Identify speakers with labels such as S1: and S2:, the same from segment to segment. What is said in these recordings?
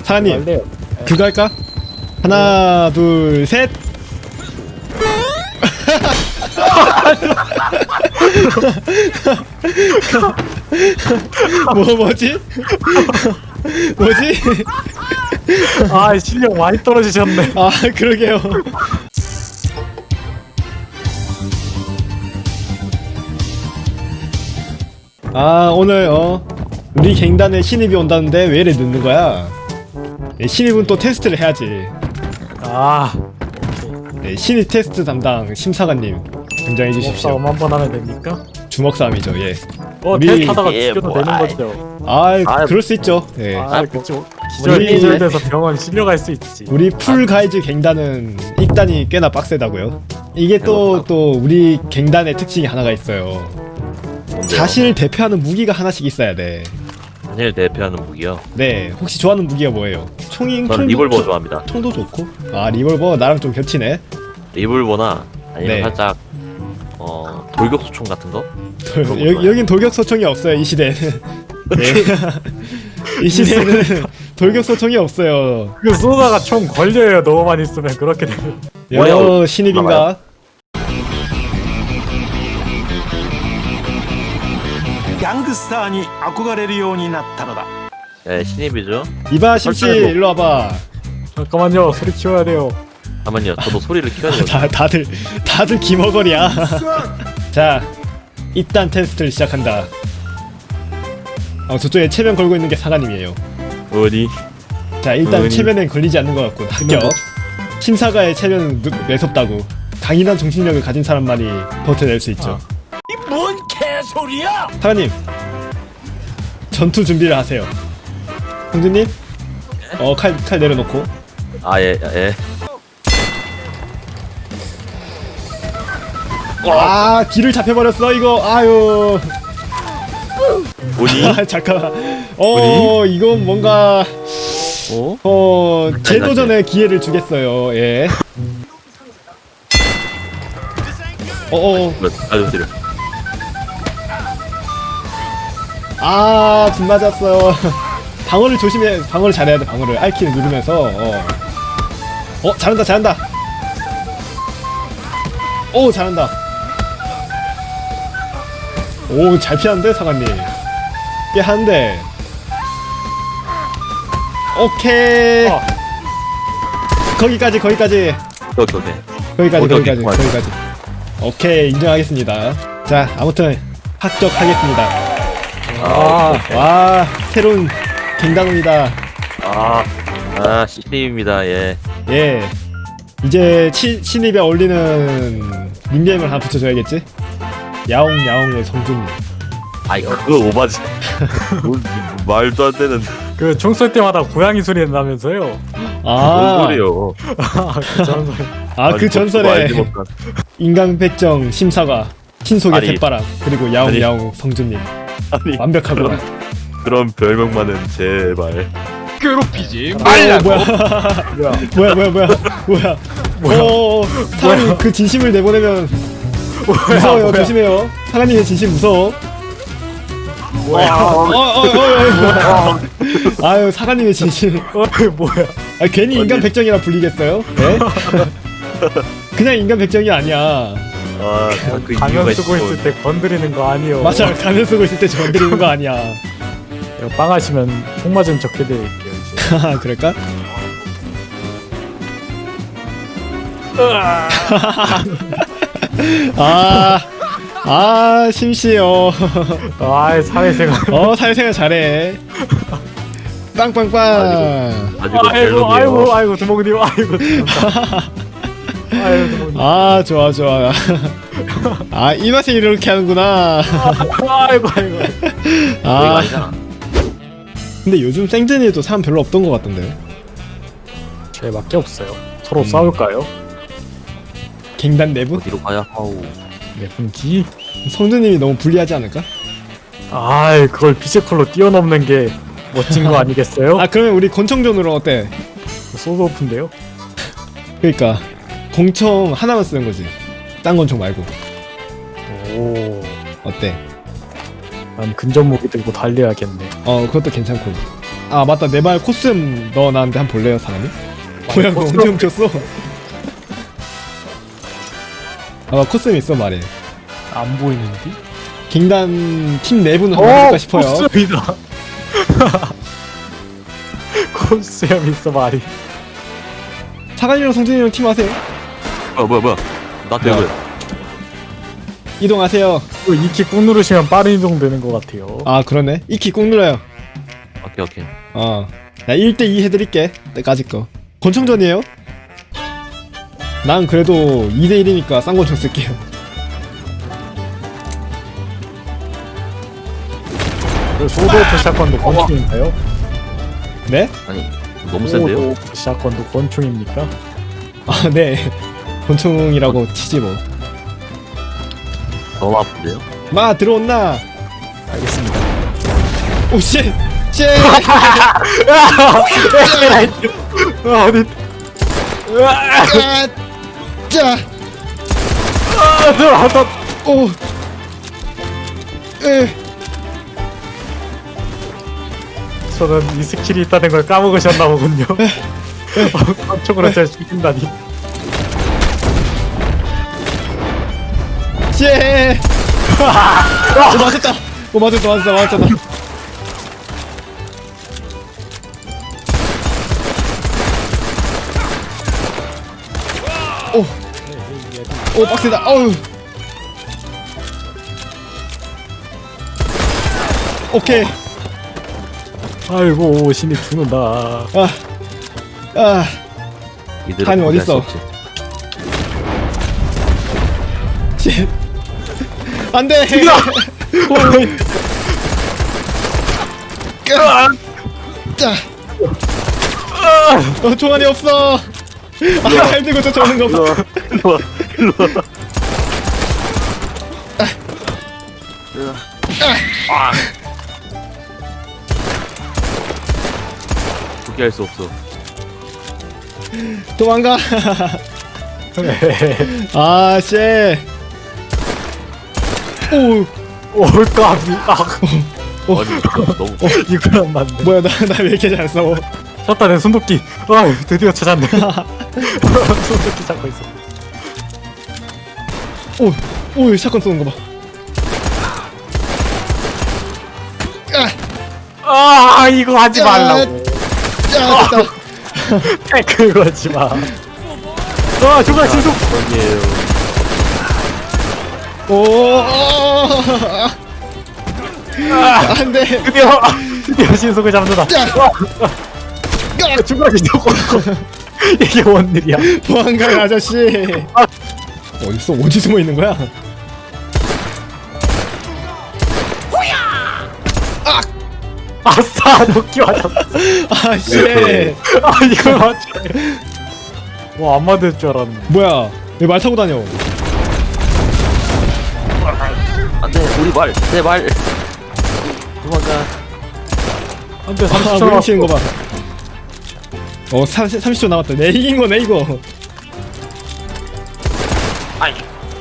S1: 사장님
S2: 할래요.
S1: 그거 할까? 하나 둘 셋. 뭐지? 뭐지?
S2: 아 실력 많이 떨어지셨네.
S1: 아 그러게요. 아 오늘 우리 갱단에 신입이 온다는데 왜 이래 늦는 거야? 네, 신입은 또 테스트를 해야지.
S2: 아
S1: 네, 신입 테스트 담당 심사관님 등장해 주십시오.
S2: 싸움 한번 하면 됩니까?
S1: 주먹 싸움이죠. 예. 우리-
S2: 테스트하다가 죽여도 되는 거죠.
S1: 그럴 수 있죠. 예.
S2: 그쵸. 기절
S1: 우리-
S2: 기절돼서 병원 실려갈 수 있지.
S1: 우리 풀 가이즈 갱단은 입단이 꽤나 빡세다고요. 이게 또 우리 갱단의 특징이 하나가 있어요. 자신을 대표하는 무기가 하나씩 있어야 돼.
S3: 자신을 대표하는 무기요.
S1: 네, 혹시 좋아하는 무기가 뭐예요? 총이
S3: 저는 리볼버 좋아합니다.
S1: 총도 좋고. 아 리볼버 나랑 좀 겹치네.
S3: 리볼버나 아니면
S1: 네.
S3: 살짝 돌격소총 같은 거?
S1: 여긴 돌격소총이 없어요 이 시대는. 네. 이 시대는 돌격소총이 없어요.
S2: 그 쏘다가 총 걸려요. 너무 많이 쓰면 그렇게 되면.
S1: 여 신입인가?
S4: 갱스타에憧れるようになったのだ.
S3: 네, 신입이죠.
S1: 이봐 심씨
S3: 설정해도-
S1: 일로 와봐.
S2: 잠깐만요. 소리 키워야 돼요.
S3: 잠깐만요. 저도 소리를 키워야 돼요.
S1: 다들 기머거리야. 자, 입단 테스트를 시작한다. 저쪽에 체면 걸고 있는 게 사관님이에요.
S3: 어디?
S1: 자, 일단
S3: 어머니.
S1: 체면엔 걸리지 않는 것 같고 합격. 심사가의 체면은 매섭다고. 강인한 정신력을 가진 사람만이 버텨낼 수 있죠.
S4: 뭔 개소리야!
S1: 사관님, 전투 준비를 하세요. 형주님, 칼 내려놓고.
S3: 아, 예, 예.
S1: 와, 뒤를 잡혀버렸어 이거. 아유.
S3: 어디?
S1: 아, 잠깐만. 이건 뭔가 재도전의 기회를 주겠어요. 예.
S3: 아저씨를.
S1: 아, 빗 맞았어요. 방어를 조심해. 방어를 잘해야 돼. 방어를 R키를 누르면서. 잘한다. 오, 잘한다. 오, 잘 피하는데 사관님. 꽤 한데. 오케이. 거기까지.
S3: 오케이.
S1: 거기까지. 오케이, 인정하겠습니다. 자, 아무튼 합격하겠습니다. 와, 새로운 갱단원이다.
S3: 신입입니다. 예.
S1: 예. 이제 신입에 어울리는 닉네임을 하나 붙여줘야겠지? 야옹야옹의 성준님.
S3: 아이, 그거 오바지. 말도 안 되는.
S2: 그 총 쏠 때마다 고양이 소리 난다면서요?
S3: 뭔 소리요?
S1: 그 전설의
S3: 알지 못한.
S1: 인강백정 심사가 신속의
S3: 아니.
S1: 새바람 그리고 야옹야옹 성준님.
S3: 아니,
S1: 완벽하고.
S3: 그런 별명만은 제발.
S4: 괴롭히지
S1: 뭐야. 사관님 그 진심을 내보내면 무서워요. 조심해요. 사관님의 진심 무서워. 아유, 사관님의 진심.
S2: 뭐야?
S1: 괜히 인간 백정이라 불리겠어요? 네? 그냥 인간 백정이 아니야.
S3: 그
S2: 가면
S3: 이유가
S2: 쓰고 있을 때 건드리는 거 아니요.
S1: 맞아, 가면 쓰고 있을 때 건드리는 거 아니야.
S2: 이거 빵 하시면 총 맞으면 적게 드릴게요 이제.
S1: 그럴까? 심씨요.
S2: 사회생활.
S1: 사회생활 잘해. 빵빵빵.
S2: 아이고 두목님 아이고 두목님.
S1: 좋아. 이 맛에 이렇게 하는구나.
S2: 아이고.
S3: 아니잖아.
S1: 근데 요즘 생전에도 사람 별로 없던 것 같던데요?
S2: 쟤밖에 없어요. 서로 싸울까요?
S1: 갱단 내부?
S3: 어디로 가야?
S2: 네 분기.
S1: 성준님이 너무 불리하지 않을까?
S2: 그걸 피지컬로 뛰어넘는 게 멋진 거 아니겠어요?
S1: 그러면 우리 권총전으로 어때?
S2: 소드 오픈데요?
S1: 그러니까 권총 하나만 쓰는 거지. 딴 권총 말고.
S2: 오,
S1: 어때?
S2: 난 근접 무기 들고 달려야겠네.
S1: 그것도 괜찮고. 아 맞다 내 말 코스튬 넣어놨는데 한번 볼래요 사람이? 뭐야 그거 언제 훔쳤어? 아 코스튬 있어 말해.
S2: 안 보이는데?
S1: 갱단 팀 내부는 한번 해볼까 싶어요.
S2: 코스염이다. 코스염 있어 말이.
S1: 사관이랑 성진이랑 팀 하세요.
S3: 뭐야 나 대구야.
S1: 이동하세요.
S2: 이키 꾹 누르시면 빠른 이동 되는 것 같아요.
S1: 아 그러네. 이키 꾹 눌러요.
S3: 오케이
S1: 나 1대2 해드릴게. 때까지 거. 권총전이에요? 난 그래도 2대1이니까 쌍권총 쓸게요.
S2: 소드오프 샷건도 권총인가요?
S1: 네?
S3: 아니 너무 센데요?
S2: 소드오프 샷건도 권총입니까?
S1: 아 네. 권총이라고 치지 뭐.
S3: 너무 아픈데요?
S1: 마 들어온나?
S2: 알겠습니다.
S1: 오 씨! 씨!
S2: 어디?
S1: 짜!
S2: 들어왔다.
S1: 오!
S2: 저는 이 스킬이 있다는 걸 까먹으셨나 보군요. 권총으로 잘 죽인다니.
S1: 씨! 오 맞았다! 오 맞았잖아. 오 빡세다. 어우. 오케이.
S2: 아이고 신이 죽는다.
S3: 이들은
S1: 칸이
S3: 포기할 수
S1: 어딨어?
S3: 없지.
S1: 씨. 안 돼! 짜! 총알이 없어! 아, 들고 쫓아오는 거 봐.
S3: 일로와 포기할 수 없어.
S1: 도망가! 아, 씨! 오!
S2: 올까비.
S3: 아니 너무
S2: 이걸 안 맞네.
S1: 뭐야, 나 왜 이렇게 잘 싸워?
S2: 쳤다 내 손도끼. 아 드디어 찾았네. 손도끼 잡고 있어.
S1: 오, 샷건 쏘는 거 봐.
S2: 아 이거 하지 말라고.
S1: 야, 됐다.
S2: 태클 걸지 마. 아 정말 진속.
S3: 아니에요.
S1: 오, 안 돼.
S2: 드디어 신속을 잡는다. 정말 진속. 이게 뭔 일이야?
S1: 보안관 아저씨. 어딨어? 어디 숨어 있는 거야?
S2: 아싸 도끼 맞았어.
S1: 아, 씨.
S2: 아 이걸 맞춰. 와안 맞을 줄 알았네.
S1: 뭐야? 왜 말 타고 다녀?
S3: 안돼 우리 내 말. 도망가.
S2: 안돼
S1: 아,
S2: 30초
S1: 물
S2: 남았어.
S1: 치는 거 봐. 30초 남았다. 내 이긴 거네, 이거.
S3: 아이.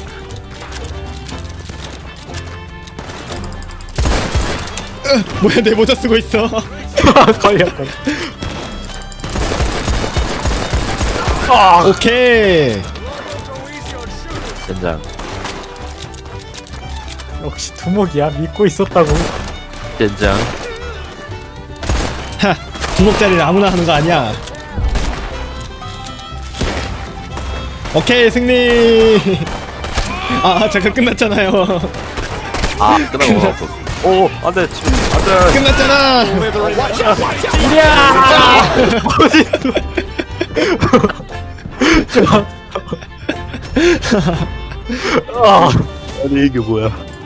S1: 뭐야, 내 모자 쓰고 있어.
S2: 걸렸다.
S1: 오케이.
S3: 젠장.
S2: 역시 두목이야. 믿고 있었다고.
S3: 젠장.
S1: 하, 두목짜리를 아무나 하는 거 아니야. 오케이, 승리. 아, 잠깐 끝났잖아요.
S3: 아 끝나고 왔어. 오 안돼 지금 안돼.
S1: 끝났잖아.
S2: 아
S3: 아니 이게 뭐야?